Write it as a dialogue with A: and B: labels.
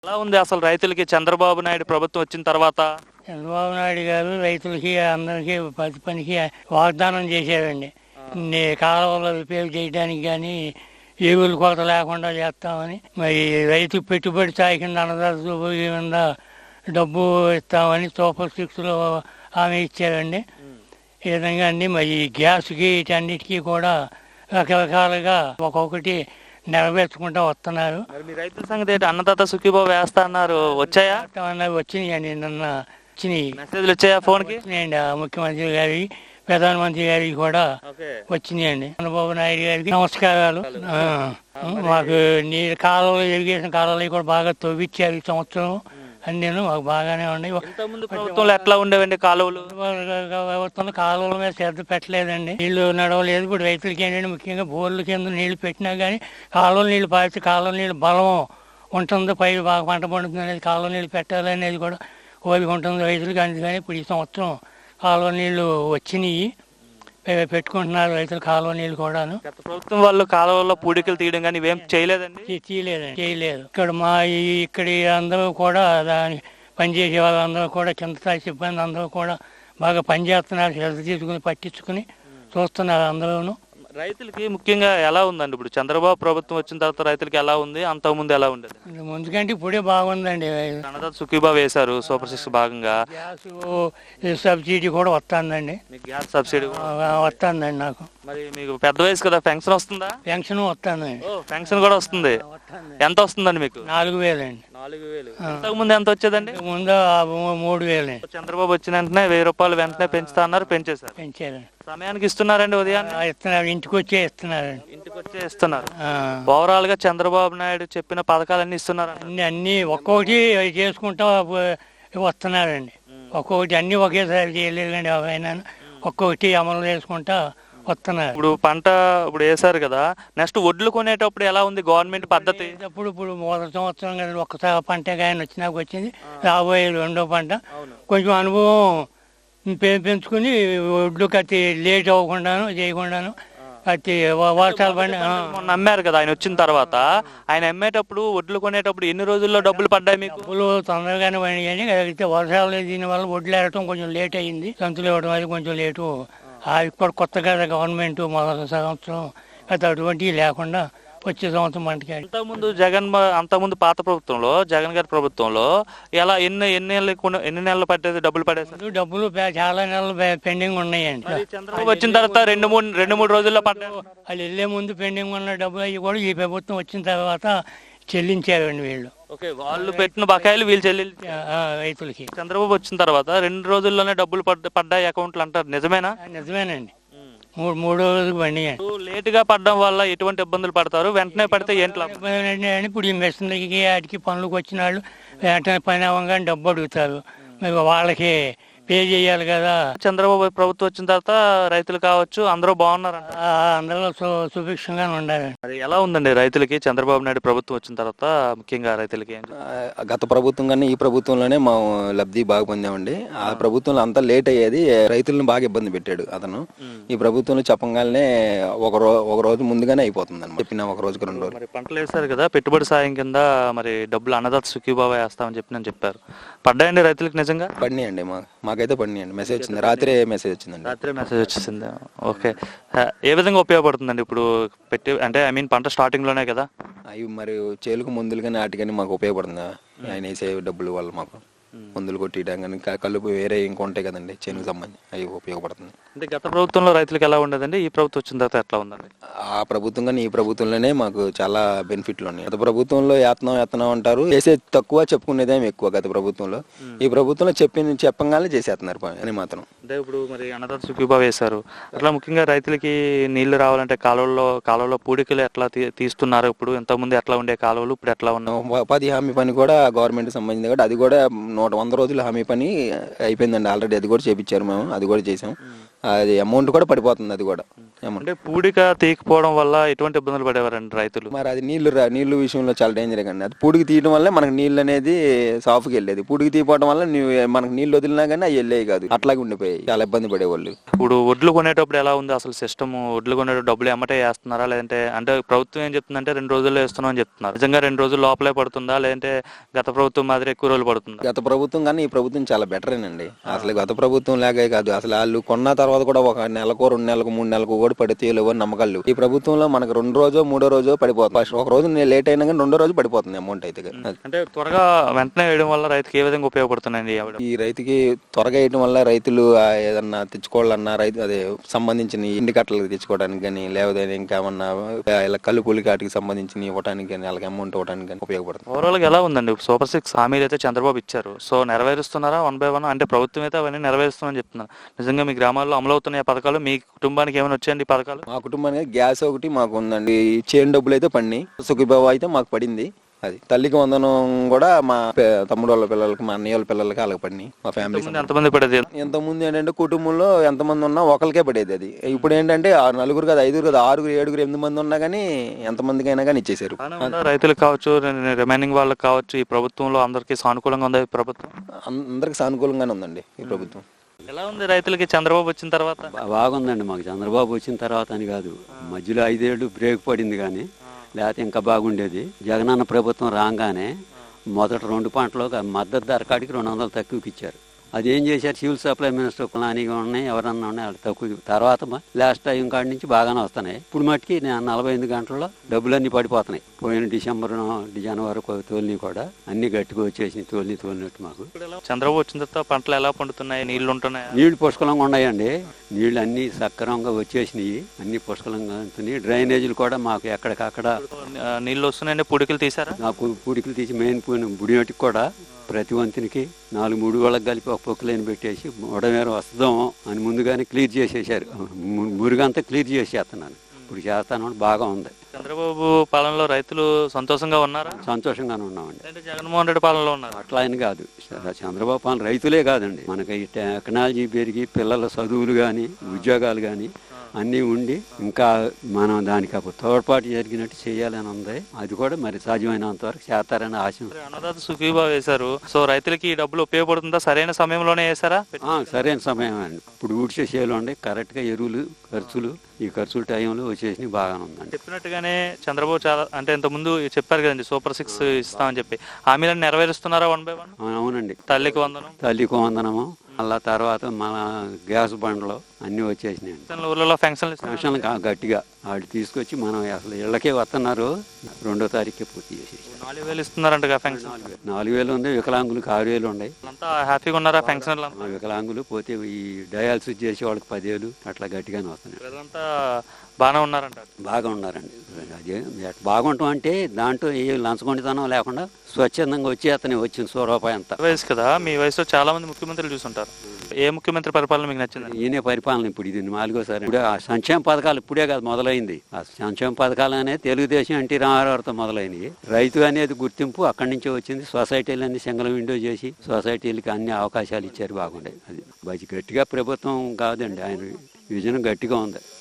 A: ఎలా ఉంది అసలు రైతులకి చంద్రబాబు నాయుడు ప్రభుత్వం వచ్చిన తర్వాత?
B: చంద్రబాబు నాయుడు గారు రైతులకి అందరికీ ప్రతి పనికి వాగ్దానం చేశారండి. కాలువలు రిపేర్ చేయడానికి కానీ ఎరువులు కొరత లేకుండా చేస్తామని, మరి రైతు పెట్టుబడి సాయి కింద అన్నదాత కింద డబ్బు ఇస్తామని సూపర్ సిక్స్లో హామీ ఇచ్చారండి. ఈ విధంగా అండి మరి గ్యాస్కి వీటన్నిటికీ కూడా రకరకాలుగా ఒక్కొక్కటి నెరవేర్చుకుంటూ వస్తున్నారు.
A: మీ రైతుల సంగతి ఏంటి? అన్నదాత సుఖీభావ వేస్తా అన్నారు, వచ్చాయా?
B: వచ్చినాయండి, నిన్న వచ్చినాయి
A: మెసేజ్లు వచ్చాయా ఫోన్కి?
B: వచ్చినాయండి. ముఖ్యమంత్రి గారికి, ప్రధానమంత్రి గారికి కూడా వచ్చినాయండి. చంద్రబాబు నాయుడు గారికి నమస్కారాలు. మాకు నీళ్ళు కాలువలు, ఇరిగేషన్ కాలువలు కూడా బాగా తవ్విచ్చారు ఈ సంవత్సరం. అన్నీ మాకు బాగానే ఉన్నాయి.
A: ప్రభుత్వంలో ఎట్లా ఉండేవండి కాలువలు?
B: ప్రభుత్వంలో కాలువల మీద శ్రద్ధ పెట్టలేదండి, నీళ్లు నడవలేదు. ఇప్పుడు రైతులకి ఏంటంటే ముఖ్యంగా బోర్ల కింద నీళ్లు పెట్టినా కానీ కాలువల నీళ్లు పారితే కాలువల నీళ్ళు బలం ఉంటుంది, పై బాగా పంట పండుతుంది అనేది, కాలువ నీళ్ళు పెట్టాలనేది కూడా కోరిక ఉంటుంది రైతులకి. అందుకని ఇప్పుడు ఈ సంవత్సరం కాలువ నీళ్లు వచ్చినాయి, పెట్టుకుంటున్నారు రైతులు కాలువ నీళ్ళు కూడాను.
A: గత ప్రభుత్వం వాళ్ళు కాలువల్లో పూడికలు తీయడం కానీ ఇవేం చేయలేదండి?
B: చేయలేదు. ఇక్కడ అందరూ కూడా దాని పనిచేసే వాళ్ళందరూ కూడా, కింద స్థాయి సిబ్బంది అందరూ కూడా బాగా పనిచేస్తున్నారు, శ్రద్ధ తీసుకుని పట్టించుకుని చూస్తున్నారు అందరూ.
A: రైతులకి ముఖ్యంగా ఎలా ఉందండి ఇప్పుడు చంద్రబాబు ప్రభుత్వం వచ్చిన తర్వాత? రైతులకి ఎలా ఉంది, అంతకుముందు ఎలా ఉండేది?
B: ముందు కంటే ఇప్పుడే బాగుందండి.
A: అన్నదాత సుఖీభావ వేశారు, సూపర్ సిక్స్ భాగంగా
B: గ్యాస్ సబ్సిడీ కూడా వస్తుందండి.
A: గ్యాస్ సబ్సిడీ
B: వస్తుందండి నాకు.
A: మరి మీకు పెద్ద వయసు కదా, పెన్షన్ వస్తుందా?
B: పెన్షన్ వస్తుందండి.
A: పెన్షన్ కూడా వస్తుంది. ఎంత వస్తుందండి మీకు?
B: 4,000 అండి.
A: 4,000. ఇంతకు ముందు ఎంత వచ్చేదండి?
B: ముందు 3,000.
A: చంద్రబాబు వచ్చిన వెంటనే 1,000 రూపాయలు వెంటనే పెంచుతా అన్నారు, పెంచారు. సమయానికి ఇస్తున్నారండి? ఉదయాన్నే
B: ఇస్తున్నారు, ఇంటికి వచ్చే ఇస్తున్నారండి.
A: ఇంటికి వచ్చే ఇస్తున్నారు. ఓవరాల్ గా చంద్రబాబు నాయుడు చెప్పిన పథకాలన్నీ ఇస్తున్నారు.
B: అన్ని ఒక్కొక్కటి చేసుకుంటా వస్తున్నారండి. ఒక్కొక్కటి అన్ని ఒకేసారి చేయలేదండి, ఆయన ఒక్కొక్కటి అమలు చేసుకుంటా వస్తున్నారు.
A: ఇప్పుడు పంట ఇప్పుడు వేసారు కదా, నెక్స్ట్ వడ్లు కొనేటప్పుడు ఎలా ఉంది గవర్నమెంట్ పద్ధతి?
B: ఇప్పుడు మొదటి సంవత్సరం కదా ఒక్కసారి పంట ఆయన వచ్చినాక వచ్చింది, రాబోయే రెండో పంట కొంచెం అనుభవం పెంచుకుని ఒడ్లు కత్తి లేట్ అవ్వకుండాను చేయకుండాను కత్తి వర్షాలు పడి
A: అమ్మారు కదా ఆయన వచ్చిన తర్వాత. ఆయన అమ్మేటప్పుడు వడ్లు కొనేటప్పుడు ఎన్ని రోజుల్లో డబ్బులు పడ్డాయి మీకు?
B: డబ్బులు తొందరగానే పడినాయి, అయితే వర్షాలు దీనివల్ల వడ్లు ఏరటం కొంచెం లేట్ అయింది, సంతులు ఇవ్వడం అది కొంచెం లేటు. అవి కూడా కొత్తగా గవర్నమెంట్ మొదటి సంవత్సరం అయితే అటువంటివి లేకుండా వచ్చే సంవత్సరం పంటకి.
A: అంతకుముందు పాత ప్రభుత్వంలో, జగన్ గారి ప్రభుత్వంలో ఎలా ఎన్ని నెలలు పట్టేది డబ్బులు పడేది?
B: డబ్బులు చాలా నెలలు పెండింగ్ ఉన్నాయండి.
A: చంద్రబాబు వచ్చిన తర్వాత రెండు మూడు రోజుల్లో పడ్డాయి.
B: వాళ్ళు వెళ్ళే ముందు పెండింగ్ ఉన్న డబ్బులు అవి కూడా ఈ ప్రభుత్వం వచ్చిన తర్వాత చెల్లించారండి వీళ్ళు.
A: వాళ్ళు పెట్టిన బకాయిలు వీళ్ళు
B: రైతులకి.
A: చంద్రబాబు వచ్చిన తర్వాత 2 రోజుల్లోనే డబ్బులు పడ్డాయి అకౌంట్లు అంటారు, నిజమేనా?
B: నిజమేనండి. 3 రోజులకు బండి.
A: లేట్ గా పడడం వల్ల ఎటువంటి ఇబ్బందులు పడతారు? వెంటనే పడితే ఏంటి?
B: ఇప్పుడు ఈ మెషిన్లకి వాటికి పనులకు వచ్చిన వాళ్ళు వెంటనే పని అవ్వగానే డబ్బు అడుగుతారు, మరి వాళ్ళకి పే చేయాలి కదా.
A: చంద్రబాబు ప్రభుత్వం వచ్చిన తర్వాత రైతులు కావచ్చు అందరూ బాగున్నారు,
B: అందరూ సుభిక్షంగానే ఉండాలి.
A: మరి ఎలా ఉందండి రైతులకి చంద్రబాబు నాయుడు ప్రభుత్వం వచ్చిన తర్వాత? ముఖ్యంగా రైతులకి
C: గత ప్రభుత్వం కన్నా ఈ ప్రభుత్వంలోనే మా లబ్ధి బాగా పొందామండి. ఆ ప్రభుత్వంలో అంతా లేట్ అయ్యేది, రైతులను బాగా ఇబ్బంది పెట్టాడు అతను. ఈ ప్రభుత్వంలో చెప్పగానే ఒక రోజు ముందుగానే అయిపోతుంది అని చెప్పిన, ఒక రోజుకి 2 రోజులు.
A: మరి పంటలు వేస్తారు కదా, పెట్టుబడి సాయం కింద మరి డబ్బులు అన్నదాత సుఖీభావ వేస్తామని చెప్పారు, పడ్డాయండి రైతులకు? నిజంగా
C: పడినాయండి, మాకైతే పడినాయండి. మెసేజ్ వచ్చింది, రాత్రే మెసేజ్ వచ్చిందండి.
A: రాత్రే మెసేజ్ వచ్చేసింది. ఓకే. ఏ విధంగా ఉపయోగపడుతుందండి ఇప్పుడు అంటే పంట స్టార్టింగ్ లోనే కదా?
C: అవి మరి చేలుకు మందులు కానీ వాటికని మాకు ఉపయోగపడుతుందా? ఆయన వేసే డబ్బుల వల్ల మాకు మందులు కొట్టియడం కానీ కలుపు వేరే ఇంకా ఉంటాయి కదండి చేనుకు సంబంధించి, అవి ఉపయోగపడుతుంది.
A: అంటే గత ప్రభుత్వంలో రైతులకు ఎలా ఉండదండి, ఈ ప్రభుత్వం వచ్చిన తర్వాత ఎట్లా ఉందండి?
C: ఆ ప్రభుత్వం కానీ ఈ ప్రభుత్వంలోనే మాకు చాలా బెనిఫిట్లు ఉన్నాయి. గత ప్రభుత్వంలో యత్నం అంటారు, చేసే తక్కువ చెప్పుకునేదేమో ఎక్కువ. గత ప్రభుత్వంలో ఈ ప్రభుత్వంలో చెప్పగానే చేసేస్తున్నారు అని మాత్రం.
A: అంటే ఇప్పుడు మరి అన్నదాత సుఖీభావ వేశారు, అట్లా ముఖ్యంగా రైతులకి నీళ్లు రావాలంటే కాలువలో పూడికలు ఎట్లా తీస్తున్నారు? ఇప్పుడు ఇంతకుముందు ఎట్లా ఉండే కాలువలు, ఇప్పుడు ఎట్లా ఉన్నాయి?
C: ఉపాధి హామీ పని కూడా గవర్నమెంట్ సంబంధించింది కాబట్టి అది కూడా 100 రోజులు హామీ పని అయిపోయిందండి ఆల్రెడీ. అది కూడా చేపించారు మేము, అది కూడా చేసాం. అది అమౌంట్ కూడా పడిపోతుంది అది కూడా. అమౌంట్.
A: అంటే పూడిక తీయకపోవడం వల్ల ఎటువంటి ఇబ్బందులు పడేవారండి రైతులు?
C: మరి అది నీళ్లు విషయంలో చాలా డేంజర్ అండి. అది పూడికి తీయడం వల్ల మనకు నీళ్ళు అనేది సాఫ్కి వెళ్ళేది. పూడికి తీయడం వల్ల మనకు నీళ్ళు వదిలినా కానీ అవి వెళ్ళేవి కాదు, అట్లాగే ఉండిపోయాయి. చాలా ఇబ్బంది పడేవాళ్ళు.
A: ఇప్పుడు వడ్లు కొనేటప్పుడు ఎలా ఉంది అసలు సిస్టమ్? వడ్లు కొనేటప్పుడు డబ్బులు ఎమ్మటే వేస్తున్నారా, లేదంటే అంటే ప్రభుత్వం ఏం చెప్తుందంటే 2 రోజుల్లో వేస్తున్నాం అని చెప్తున్నారు. నిజంగా 2 రోజులు లోపలే పడుతుందా, లేదంటే గత ప్రభుత్వం మాదిరి ఎక్కువ రోజులు పడుతుందా?
C: గత ప్రభుత్వం కానీ ఈ ప్రభుత్వం చాలా బెటరేనండి. అసలు గత ప్రభుత్వం లాగే కాదు, అసలు వాళ్ళు కొన్న తర్వాత కూడా ఒక నెలకు 2 నెలలకు 3 నెలలకు కూడా పడితే లేవని నమ్మకాలు. ఈ ప్రభుత్వంలో మనకు 2 రోజు 3 రోజు పడిపోతుంది. ఫస్ట్ ఒక రోజు లేట్ అయినా కానీ 2వ రోజు పడిపోతుంది అమౌంట్ అయితే.
A: అంటే త్వరగా వెంటనే వేయడం వల్ల రైతుకి ఏ విధంగా ఉపయోగపడుతున్నాయండి?
C: ఈ రైతుకి త్వరగా వేయడం వల్ల రైతులు ఏదన్నా తెచ్చుకోవాలన్నా రైతు అదే సంబంధించిన ఇంటి కట్టలకు తెచ్చుకోవడానికి కానీ, లేకపోతే ఇంకేమన్నా ఇలా కలుపులకి వాటికి సంబంధించిన ఇవ్వడానికి కానీ, వాళ్ళకి అమౌంట్ ఇవ్వడానికి కానీ ఉపయోగపడుతుంది.
A: ఓవరాల్ గా ఎలా ఉందండి? సూపర్ 6 హామీలు అయితే చంద్రబాబు ఇచ్చారు, సో నెరవేరుస్తున్నారా 1 by 1? అంటే ప్రభుత్వం అయితే అవన్నీ నెరవేరుస్తున్నారని చెప్తున్నారు. నిజంగా మీ గ్రామాల్లో అమలవుతున్న పథకాలు మీ కుటుంబానికి ఏమైనా వచ్చాయండి ఈ పథకాలు?
C: మా కుటుంబానికి గ్యాస్ ఒకటి మాకు ఉందండి. చేను డబ్బులు అయితే పడినాయి. సుఖీబాబు అయితే మాకు పడింది. అది తల్లికి వందనం కూడా మా తమ్ముడు వాళ్ళ పిల్లలకి, మా అన్నయ్య వాళ్ళ పిల్లలకి అలాగ పడినాయి. మా ఫ్యామిలీ
A: ఎంతమంది పడేది?
C: ఎంతమంది ఏంటంటే కుటుంబంలో ఎంతమంది ఉన్నా ఒకరికే పడేది. అది ఇప్పుడు ఏంటంటే 4 కాదు, 5 కాదు, 6 7 8 మంది ఉన్నా కానీ ఎంతమందికైనా కానీ ఇచ్చేసారు.
A: రైతులకు కావచ్చు, రిమైనింగ్ వాళ్ళకి కావచ్చు, ఈ ప్రభుత్వంలో అందరికీ సానుకూలంగా ఉంది ప్రభుత్వం?
C: అందరికి సానుకూలంగానే ఉందండి ఈ ప్రభుత్వం.
A: ఎలా ఉంది రైతులకి చంద్రబాబు వచ్చిన తర్వాత?
D: బాగుందండి. మాకు చంద్రబాబు వచ్చిన తర్వాత అని కాదు, మధ్యలో 5 ఏళ్ళు బ్రేక్ పడింది, కానీ లేకపోతే ఇంకా బాగుండేది. జగనన్న ప్రభుత్వం రాగానే మొదట 2 పంటలు మద్దతు ధర కాడికి 200 తక్కువకి ఇచ్చారు. అది ఏం చేశారు, సివిల్ సప్లై మినిస్టర్ ప్లానింగ్ ఉన్నాయి, ఎవరన్నా ఉన్నాయి, వాళ్ళు తక్కువ. తర్వాత లాస్ట్ టైం కాడి నుంచి బాగానే వస్తున్నాయి. ఇప్పుడు మట్టుకి 48 గంటల్లో డబ్బులన్నీ పడిపోతున్నాయి. పోయిన డిసెంబర్ జనవరి తోలిని కూడా అన్ని గట్టిగా వచ్చేసి తోలినట్టు మాకు.
A: చంద్రబాబు వచ్చిన తర్వాత పంటలు ఎలా పండుతున్నాయి? నీళ్లు ఉంటున్నాయి?
D: నీళ్లు పుష్కలంగా ఉన్నాయండి. నీళ్లు అన్ని సక్రమంగా వచ్చేసినాయి, అన్ని పుష్కలంగా ఉంటున్నాయి. డ్రైనేజీలు కూడా మాకు ఎక్కడికక్కడ
A: నీళ్లు వస్తున్నాయండి. పూడికలు తీసారా?
D: నాకు పూడికలు తీసి మెయిన్ బుడిమేటికి కూడా ప్రతి వంతునికి 4 వాళ్ళకి కలిపి ఒక పొక్కులైన పెట్టేసి ఉడమేర వస్తాం అని ముందుగానే క్లియర్ చేసేసారు. మురుగంతా క్లియర్ చేసేస్తున్నాను. ఇప్పుడు చేస్తాను, బాగా ఉంది.
A: చంద్రబాబు పాలనలో రైతులు సంతోషంగా ఉన్నారా?
D: సంతోషంగానే ఉన్నామండి.
A: అంటే జగన్మోహన్ రెడ్డి పాలనలో ఉన్నారు
D: అట్లా అని కాదు, చంద్రబాబు పాలన రైతులే కాదండి, మనకి ఈ టెక్నాలజీ పెరిగి పిల్లల చదువులు కానీ ఉద్యోగాలు కానీ అన్నీ ఉండి ఇంకా మనం దానికి తోడ్పాటు జరిగినట్టు చేయాలని ఉంది. అది కూడా మరి సాధ్యమైనంత వరకు చేస్తారని ఆశ.
A: అన్నదాత సుఖీభావ వేశారు, సో రైతులకి ఈ డబ్బులు ఉపయోగపడుతుందా? సరైన సమయంలోనే వేశారా?
D: సరైన సమయం అండి. ఇప్పుడు ఊడ్చే చేయాలి ఉండే కరెక్ట్ గా ఎరువులు ఖర్చులు ఈ ఖర్చుల టైంలో వచ్చేసి బాగానే ఉందండి.
A: చెప్పినట్టుగానే చంద్రబాబు చాలా అంటే ఇంత ముందు చెప్పారు కదండి, సూపర్ 6 ఇస్తామని చెప్పి. హామీలను నెరవేరుస్తున్నారా 1 by 1?
D: అవునండి.
A: తల్లికి వందనము
D: అలా తర్వాత మన గ్యాస్ బండ్లు అన్ని వచ్చేసినాయండి.
A: ఊళ్ళలో ఫంక్షన్లు
D: గట్టిగా వాళ్ళు తీసుకొచ్చి మనం అసలు ఇళ్ళకే వస్తున్నారు. 2వ తారీఖుకే పూర్తి చేసేసి
A: 4,000 ఇస్తున్నారంట ఫంక్షన్.
D: 4,000 ఉంది, వికలాంగులకు 6,000 ఉన్నాయి.
A: అంతా హ్యాపీగా ఉన్నారా ఫంక్షన్?
D: వికలాంగులు పోతే ఈ డయాలసిస్ చేసే వాళ్ళకి 10,000 అట్లా గట్టిగానే వస్తున్నాయి.
A: అదంతా బాగానే ఉన్నారంట?
D: బాగా ఉన్నారండి. అదే బాగుంటాం అంటే దాంట్లో ఏ లంచగొండితనం లేకుండా స్వచ్ఛందంగా వచ్చి అతనే వచ్చింది రూపాయి అంతా.
A: వయసు కదా, మీ వయసులో చాలా మంది ముఖ్యమంత్రులు చూసుంటారు. ఏ ముఖ్యమంత్రి పరిపాలన మీకు నచ్చింది?
D: ఈయనే పరిపాలన. ఇప్పుడు ఇది 4వసారి. ఇప్పుడు ఆ సంక్షేమ పథకాలు ఇప్పుడే కాదు మొదలైంది. ఆ సంక్షేమ పథకాలు అనేది తెలుగుదేశం ఎన్టీ రామారావుతో మొదలైనవి. రైతు అనేది గుర్తింపు అక్కడి నుంచే వచ్చింది. సొసైటీలన్నీ సింగిల్ విండో చేసి సొసైటీలకి అన్ని అవకాశాలు ఇచ్చారు. బాగుండే అది గట్టిగా ప్రభుత్వం కాదండి, ఆయన విజన్ గట్టిగా ఉంది.